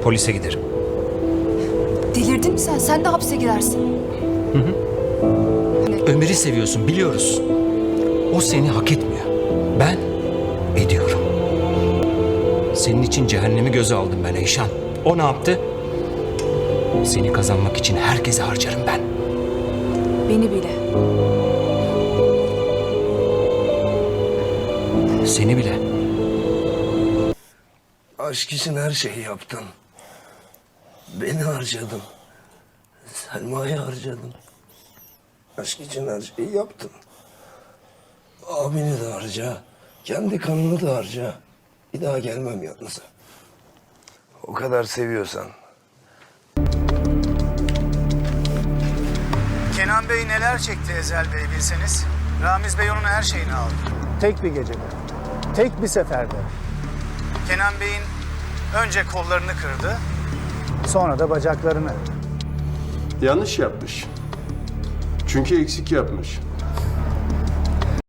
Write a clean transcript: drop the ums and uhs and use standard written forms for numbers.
Polise giderim. Delirdin mi sen? Sen de hapse girersin. Ömer'i seviyorsun, biliyoruz. O seni hak etmiyor. Ben ediyorum. Senin için cehennemi göze aldım ben Eyşan. O ne yaptı? Seni kazanmak için herkese harcarım ben. Beni bile. Seni bile. Aşk için her şeyi yaptın. Beni harcadın. Selma'yı harcadın. Aşk için her şeyi yaptın. Abini de harca. Kendi kanını da harca. Bir daha gelmem yalnız. O kadar seviyorsan. Kenan Bey neler çekti Ezel Bey bilseniz. Ramiz Bey onun her şeyini aldı. Tek bir gecede, tek bir seferde. Kenan Bey'in önce kollarını kırdı. Sonra da bacaklarını. Yanlış yapmış. Çünkü eksik yapmış.